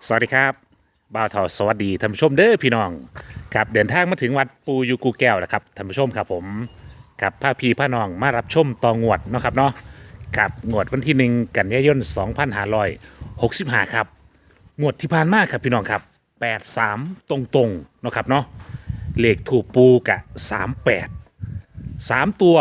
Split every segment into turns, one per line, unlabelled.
สวัสดีครับบ่าวทอสวัสดีท่านผู้ชมเด้อพี่น้องครับเดินทางมาถึงวัดปูยูกูแก้วแล้วครับท่านผู้ชมครับผมกับพาพี่พาน้องมารับชมต่องวดเนาะครับเนาะกับงวดวันที่1 กันยายน2565ครับงวดที่ผ่านมาครับพี่น้องครับ83ตรงๆเนาะครับเนาะเลขถูกปูกะ38 3 ตัว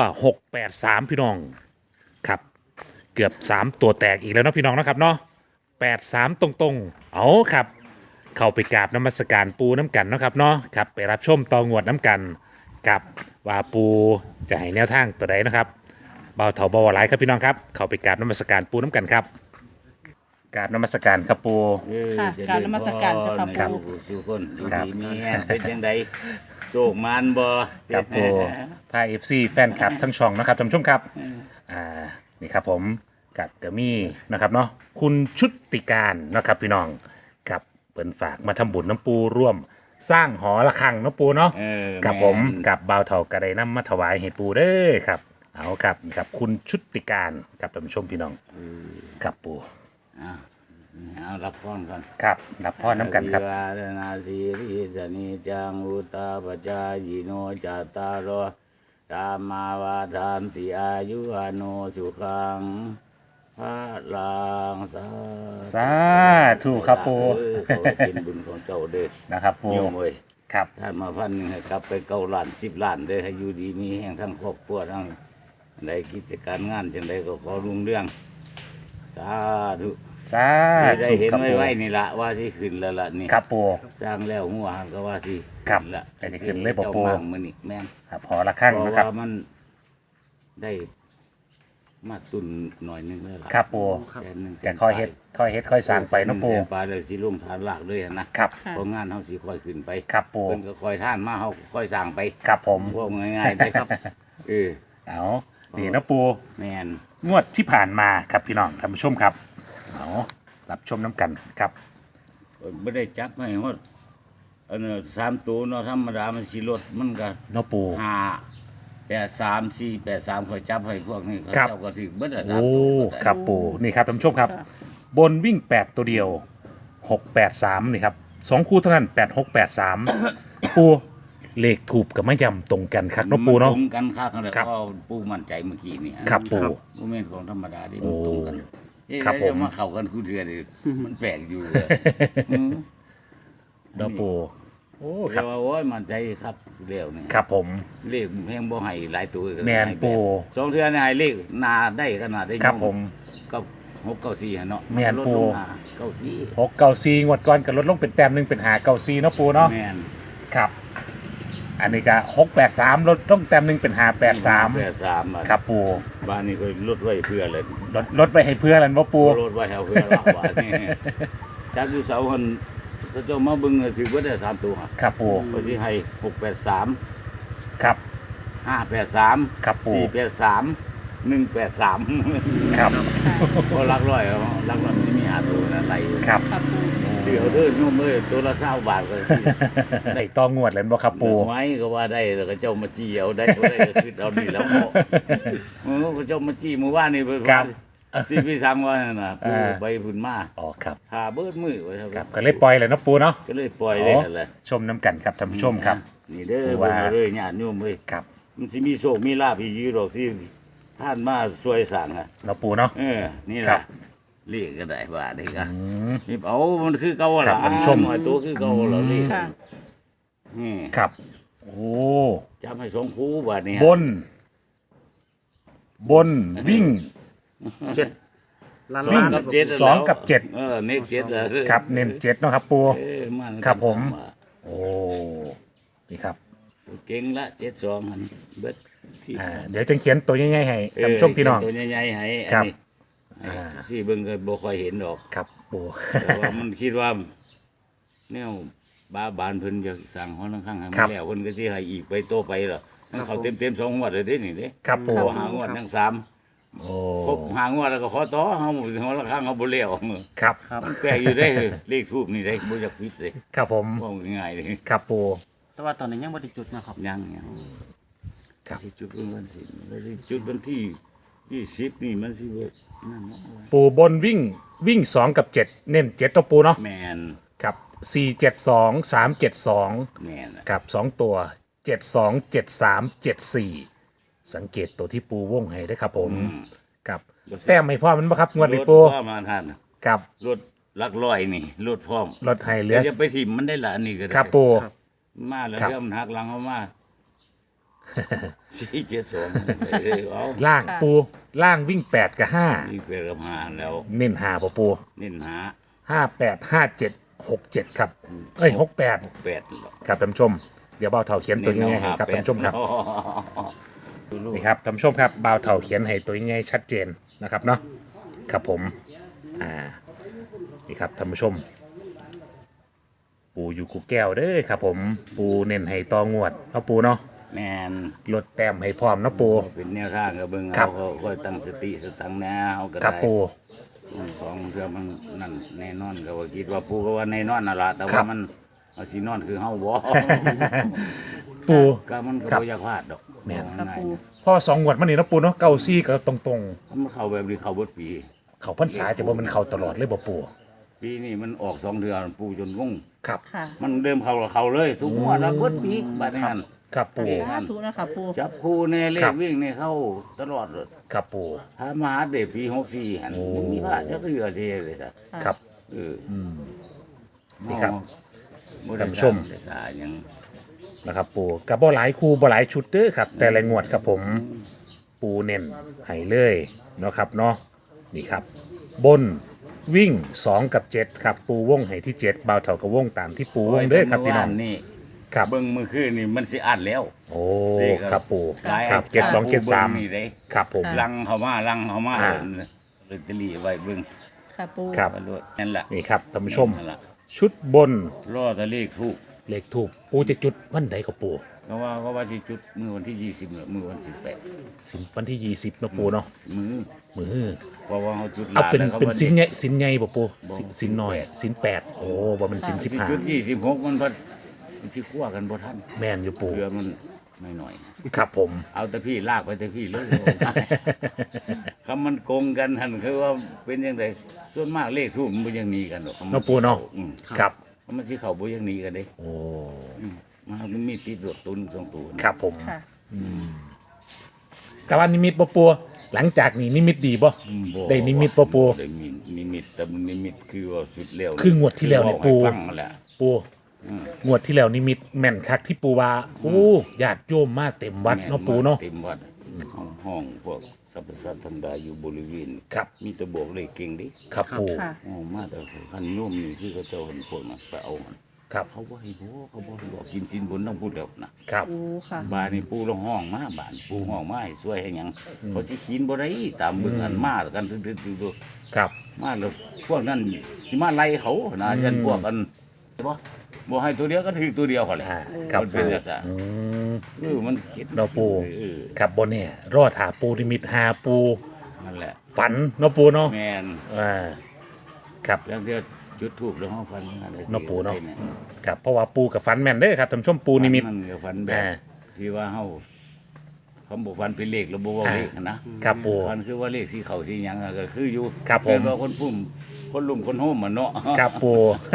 683พี่น้องครับเกือบ3ตัวแตกอีกแล้วเนาะพี่น้องเนาะครับเนาะ83ตรงๆเอาครับ เข้าไปกราบน้ำมัสการปูน้ำกันเนาะครับเนาะครับไปรับชมตองวดน้ำกันกับว่าปูจะให้แนวทางตัวใดนะครับเบาเถาเบาหลายครับพี่น้องครับเข้าไปกราบน้ำมัสการปูน้ำกันครับกราบน้ำมัสการครับปู
ค่ะกรารนมัสการเจ้าค่ะ
ครับ
ปู่
สุคนอยู่
ครับ
ดีมีแห้งเป็นจังไดโศกมานบ่
ครับปูพาเอฟซีแฟนคลับทั้งช่องนะครับท่านผู้ชมครับนี่ครับผมกับกระมี่นะครับเนาะคุณชุติการนะครับพี่น้องกับเปิ่นฝากมาทำบุญน้ำปูร่วมสร้างหอระฆังน้ำปูเนาะ กับผมกับบ่าวเถากระไดน้ำมาถวายให้ปูเด้อครับเอาครับนี่ครับคุณชุติการกับท่านผู้ชมพี่น้องกับปู
เอารับพรก่อน
ครับรับพ่อน้ำกันครับ
วิวาทนาสีริสนิจังอุตตาปจายโนจัตตารโอธรรมาวาทานติอายุอาโนสุขังพระลังสา
สาธุครับปู
ขอเป็นบุญของเจ้าเด้อ
นะครับปู
โยมเอ้ย
ครับ
ท่านมาพันหนึ่งให้กลับไป9 ล้าน10 ล้านเด้อให้อยู่ดีมีแห่งทั้งครอบครัวทั้งในกิจการงานจังใดก็ขอรุ่งเรื่องสาธุ
สา
สิได้
ธุ
เห็น
ครับ
ไว้
ปู
ไว้นี่ละว่าสิขึ้นแล้วล่ะนี่
ครับปู
สร้างแล้วหัวหันก็ว่าสิ
ครับ
ขึ้นละ
แต่จะขึ้นเลยบ่ปู่
จ้ามั่งมื้อนี้แม่น
ครับหอระฆัง
เพราะ
นะครับ
ว่ามันได้มาตุนหน่อยหนึงแล้วล่ะ
ครับปู
แสนหนึ่ง
จะค่อยเฮ็ดค่อยสร้างไปเน้ำปู
แสปลายเลยสิลงฐานหลักเลยหั่นนะครับ เพราะงานเฮาสิค่อยขึ้นไป
ครับปู
เพิ่นก็ค่อยท่านมาเฮาก็ค่อยสร้างไป
ครับผม
พวกง่ายๆได้ครับเออ
เอานี่นะปู
แม่น
งวดที่ผ่านมาครับพี่น้องท่านผู้ชมครับเอารับชมน้ำกันครับ
บ่ได้จับให้ฮอดอันนั้น3ตัวเนาะธรรมดามันสิลดมันก็
เนาะปู
5 8 3 4 8 3คอยจับให้พวกนี้เขา
ครับ
เจ้าก็ถึงเบิดละ3
โอ้
ตัว
ครับปูนี่ครับท่านผู้ชมครับ บนวิ่ง 8 ตัวเดียว 683นี่ครับ2คู่เท่านั้น 8683 ปูเลขถูกกับไม่ยำตรงกันครับเนาะปูเนาะ
ตรงกันค่ากันแล้ว
ครับ
ก็ปูมั่นใจเมื่อกี้นี่
ครับปู
บ่แม่นของธรรมดาที่มันตรงกันเอ๊ะ
ครับ
แล้ว
ผม
จะมาเข้ากันคู่เทื่อนี่มันแปลกอยู่
เนาะปูโอ้ค
แต่
รับ
ว่าโอ้ยมั่นใจครับเร็วนี่
ครับผม
เลขแพงบ่ให้หลายตัว
แม่นปู
สองเทื่อนี่ให้เลขหนาได้ขนาดได้
ครับผม
ก็694หั่นเนาะ
แม่น
ลด
ปู
ลงมา94
694งวดก่อนกันลดลงเป็นแต้มหนึงเป็น594เนาะปูเนาะ
แม่น
ครับ อันนี้ก็683ลดลงแต้มหนึงเป็น583
83อะ
ครับปู
บ้านนี้ก็ลดไว้เพื่อเลย
ลดไปให้เพื่อนแล้วว่าปู
ลดไว้ให้เพื่อเราว่านี่จากอยู่เสาคนถ้าเจ้ามาเบิ่งก็ถือว่าได้3ตัว
ครับปู
ก็สิให้683
ครับ
583
ครับปู่
483 183
ครับ
ก็หลักร้อยเอาหลักร้อยมันมี5ตัวนะไหล
ครับ
ค่ะปู่
เสียวเด้อโยมเอ้ยตัวละ20 บาทก็สิ
ได้ต้องงวดแล้วบ่ครับปู
ไม้ก็ว่าได้แล้วก็เจ้ามาจี้เอาได้บ่ได้ก็คือเอานี่แล้วเนาะก็เจ้ามาจี้เมื่อวานนี่ไป
ครับ
สิพี่สั่งว่านั่นน่ะปู่ไปพุ่นมา
อ๋อครับ
หาเบิดมือไว้
ครับก็เลยปล่อยเลยเนาะปูเนาะ
ก็เลยปล่อยได้นั่นแหละ
ชมน้ำกันครับท่านผู้ชมครับ
นี่เด้อ
คือ
ว่า
ว่า
เลยญาติโยมเอ้ย
ครับ
มันสิมีโชคมีลาภอีกอยู่ดอกที่ท่านมาช่วยสั่งอ่ะ
เนาะปูเนาะ
นี่
ครั
ล่ะ
บ
เรียกก็ได้ว่าได้ก็นี่เอามันคือเก่า
ครั
ล่ะ
บท่านผู้ชม
หน่อยตัวคือเก่าล่ะเรียก
ค่ะ
นี่
ครับ โอ้
จำให้สองคู่บาดนี้
บน บนวิ่ง
ล้าน
วิ่ง
ล้าน
กับเจ็ด
สองกับเจ็ด
เน็กเจ็ดอะ
ครับเน้นเจ็ดเนาะครับปู
มัน
ครับผม
สาบาท
โอ้นี่ครับ
เก่งละ72หันเบิดที่
เดี๋ยวจะเขียนตัวง่ายๆให้ท่านผู้ชมพี่น้อง
ตัวใหญ่ๆให้
ครับ
อันนี้สิเบิ่งก็บ่ค่อยเห็นดอก
ครับปู
แต่ว่ามันคิดว่าแนวบ้าบานเพิ่นจะสั่งหอนังข้างให้มันแล้วเพิ่นก็สิให้อีกไปโตไปเหรอมันเขาเต็มๆ2งวดเลยเด้นี่เด้
ครับปู
ขอหางวดทั้ง3
โอ้
ครบหางวดแล้วก็ขอต่อเฮาหอละข้างเฮาบ่แล้ว
ครับ
มันแปลกอยู่เด้เลขทูปนี่เด้บ่อยากผิดเลย
ครับผม
ว่าง่ายๆเลย
ครับปู
แต่ว่าตอนนี้ยังบ่ได้จุดนะครับ
ยัง
ครับ
สิจุดวันสิแล้วสิจุดวันที่ 20นี่มันสิบ่นั่นเนาะ
ปูบนวิ่ง2กับ7เน้น7ตัวปูเนาะ
แม่น
ครับ472 372
แม่นน่ะ
กับ2ตัว72 73 74สังเกตตัวที่ปูวงให้ด้วยครับผมกับแต้มไม่พอมันบ่ครับงวดนี้ปู
รถพร้อมมาท่าน
กับ
รถหลักร้อยนี่รถพร้อม
รถให้เหลือ
จะไปถิ่มมันได้ละอันนี้ก็ได้
ครับปู
มาแล้ว
ครับ
เริ่มหักหลังเขามา472เอา
ล่างปูล่างวิ่ง8กับ
นี่เป็นกับหาแล้ว
5เน้น5ปู
เน้นหา
58 57 67ครับเอ้ย68
8
ครับท่านผู้ชมเดี๋ยวเบาเท่าเขียนตัวยังไงให้ครับท่านผู้ชมครับนี่ครับท่านผู้ชมครับเบาเท่าเขียนให้ตัวยังไงชัดเจนนะครับเนาะครับผมนี่ครับท่านผู้ชม ปูอยู่กูแก้วเด้อครับผมปูเน้นให้ตองวดเนาะปูเนาะ
แม่น
ลดแต้มให้พร้อมเนาะปู
เป็นแนวทางกับเบิ่ง
ครั
เอา
บ
ค่อยตั้งสติสตังค์แนวก็
ครับ
ได้
ปู
ของเพื่อมันนั่นแน่นอนก็ว่าคิดว่าปูก็ว่าแน่นอนน่ะล่ะแต่
ครั
ว่า
บ
มันเอาสินอนคือเฮาบ่
ปู
ก็มันก็
ครับ
บ่อยากพลาดดอก
แม่น
ค่ะปู
พ่อ2งวดมันนี่เนาะปูเนาะเก้าซี่ก็ตรง
มันเข้าแบบนี้เข้าเบิดปี
ๆเขาพรรษาจะบ่มันเข้าตลอดเลยบ่ปู
ปีนี้มันออก2เดือนปูจนงง
ครับ
ค่ะ
มันเดิมเข้ากับเขาเลย ทุกงวดแล้วเบิดปีบัดนี้หั่น
ครับปู
สาธุนะคะปู
จับคู่แน่เล
ครั
ข
บ
วิ่งนี่เข้าตลอดเลย
ครับปู
ถ้ามาหาเด็กปี64หั่นมันมีพลาดจักเทื่อสิเลยซะ
ครับ
เออ
นี่ครับ
บ่ได้
ท่านผู้ชม
ได้สาหยัง
นะครับปูกับบ่หลายคู่บ่หลายชุดเด้อครับ แต่ละงวดครับผมปูเน้นให้เลยเนาะครับเนาะนี่ครับ บนวิ่ง2กับ7ครับปูวงให้ที่7บ่าวเท่ากับวงตามที่ปูวงเด้อครับพี่น้อง
นี่
ครับ
เบิ่งมื้อคืนนี่มันสิอัดแล้ว
โอ้
นี่ครับ
ครับปู
หลาย
ครับ
อาจารย์
72
นี่เด้
73ครับผม
ลังเข้ามาลังเข้ามา
อ่า
ลอตเตอรี่ไว้เบิ่ง
ค่ะปู
ครับ
ว่าด้วยนั่นล่ะ
นี่ครับท่านผู้ชม
นั่นล่ะ
ชุดบน
รอแต่เลขถูก
เลขถูกปูจะจุดวันใดกับปู
ก็ว่าสิจุดมื้อวันที่20มื้อวัน18
สินวันที่20เนาะปูเนาะ
มื้อ
มือ
เพราะว่าเฮาจุด
เอาเป็น
แล้วขา
เป็น
ว่า
สินใหญ่สินใหญ่บ่ปูสินน้อยสิน8โอ้บ่เป็นสิน
สิจุด26มันสิคั่วกันบ่ทัน
15แม่นอยู่ปู
เพื่อมันไม่หน่อย
ครับผม
เอาแต่พี่ลากไปแต่พี่เลย คำมันโกงกันหันคือว่าเป็นยังไงส่วนมากเลขทูบมันบ่ยังหนีกันหรอก
เนาะปูเนาะ
อืม
ครับ
มันสิเข้าบ่ยังหนีกันเด้
โอ้
มันมีติดดวกตุนสองตัว
ครับผม
ค่ะ
แต่ว่านิมิตบ่ปูหลังจากนี้นิมิตดีบ่
บ่
ได้นิมิตบ่ปู
ได้นิมิตแต่มันนิมิตคือว่าสุดแล้ว
คืองวดที่แล้วเนี่ยปู
บอกให้ฟังนั่นแหละ
ปูงวดที่แล้วนิมิตแม่นคักที่ปูว่าโอ้ญาติโยมมาเต็มวัดเนาะปูเนาะ
เต็มวัดห้องพวกสรรพสัตว์ธรรมดาอยู่บริเวณ
ครับ
มีแต่บอกเลขเก่งดิ
ครับปู
ค่ะ
อ๋อมาแต่คันโยมนี่คือเขาเจ้าเห็นพวกนั้นไปเอามัน
ครับ
เขาบ่ให้บอกเขาบ่ให้บอกกินสินบนต้องพูดแล้วนะครับ
ปูค่ะ
บ้านนี่ปูลงห้องมาบ้านปูห้องมาให้ช่วยให้หยังเขาสิขีนบ่ได้ตามเบิ่งอันมากันตึ๊ดๆๆ
ครับ
ๆมาแล้วพวกนั้นสิมาไล่เขานะยันพวกกันบ่ให้ตัวเดียวก็ถือตัวเดียวเขาเลย
ครับ
มันเป็น
ปู
จังซั่นมันคิด
เนาะปู
เออ
ครับบนเนี่ยรอถาปูนิมิตหาปู
นั่นแหละ
ฝันเนาะปูเนาะ
แม่น
ครับ
แล้วเดี๋ยวจุดทูบแล้วห้องฟันอะไร
เนาะปูเนาะครับเพราะว่าปูกับฝันแม่นเด้อครับท่านผู้ชมปูนิมิต
มันก็ฟันแบบ
อ่า
ที่ว่าเฮาคำบอกฟันเป็นเลขแล้วบ่เว้าเลขนะครับ
ปู
ฟันคือว่าเลขสีเขาสีหยังอะก็คืออยู่
ครับผม
เป็นว่าคนปุ่มคนลุ่มคนโฮมมันเนาะ
ครับปู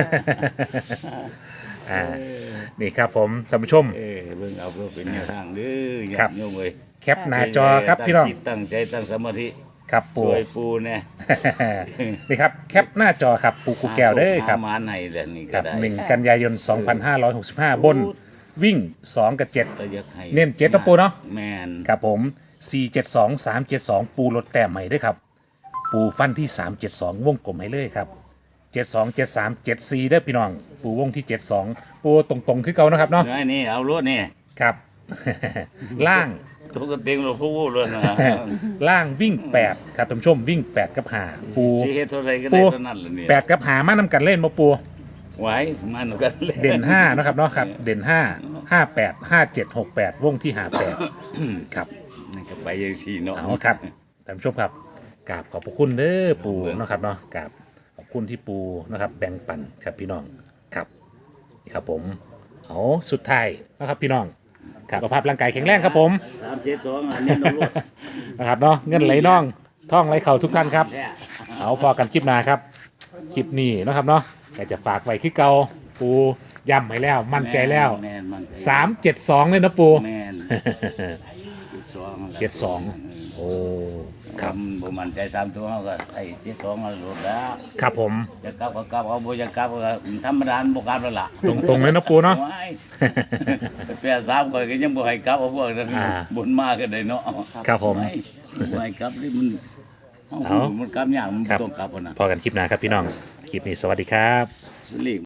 นี่ครับผมท่านผู้ชม
เบิ่งเอาเพื่อเป็นแนวทางเด้อ
ครับ
ญาติโยมเอ้ย
แคปหน้าจอครับพี่น้อง
ตั้จิตตั้งใจตั้งสมาธิ
ครับปู
ช่วยปูแน่
นี่ครับแคปหน้าจอครับปูกูแก้วเด้อครับ
หามาให้แหละนี่
ค
ก็
รับ
ได้
1 กันยายน 2565 บนวิ่ง 2 กับ
ก็อยากให้
เน้น7นะปูเนาะ
แม่น
7ครับผม 472 372 ปูลดแต้มใหม่ด้วยครับ ปูฟันที่ 372 วงกลมให้เลยครับ 72 73 74ได้อพี่น้อง ปูวงที่ 72 ปูตรงๆคือเก่านะครับเนาะ
เนื้อนี่เอารถนี่
ครับ ล่าง
ตัวก็เต็งเราพูดเลยนะ
ล่างวิ่ง 8 ครับท่านผู้ชมวิ่ง 8 กับ 5 ปู
สิเฮ็ดเท่าไรก็
ปู
ได้เท่านั้นแหละเนี่ย
8 กับ 5 มานำกันเล่นมาปู
ไหวมันกันเลย
เด่น5นะครับเนาะครับ เด่น 5 58 57 68 วงที่ 58 ครับ
นี่ก็ไปยังสี่เนาะ
เอาครับท่านผู้ชมครับกราบขอบพระคุณเด้อปูนะครับเนาะกราบขอบคุณที่ปูนะครับ แบ่งปันครับพี่น้องครับนี่ครับผมเอาสุดท้ายนะครับพี่น้องครับสุขภาพร่างกายแข็งแรงครับผม
372อันนี้น้องรถ
นะครับเนาะเงินไหลน่องท่องไหลเข่าทุกท่านครับ
แท้
เอาพอกันคลิปหน้าครับคลิปนี้เนาะครับเนาะแต่จะฝากไว้คือเก่าปูย้ำให้แล้วมั่นใจแล้ว
แม่นมั่นใจ
372เลยนะปู
แม่น72
72โอ้ครับ
บ่มั่นใจ3ตัวเฮาก็ใส่72เอารถแล้ว
ครับผม
จะกลับก็กลับเอาบ่จะกลับก็ธรรมดาบ่กลับแล้วล่ะ
ตรงๆเลยนะปูเนาะ
โอ้ยแปดสามข่อยก็ยังบ่ให้กลับเอาพวกนั้น
อ่า
บุญมาก็ได้เนาะ
ครับผม
ไม่บ่ให้กลับนี่มัน
เอา
มันกลับยากมัน
ครับ
ต้องกลับพุ่นน่ะ
พอกันคลิปหน้าครับพี่น้องคลิปนี้สวัสดีครับ
เลข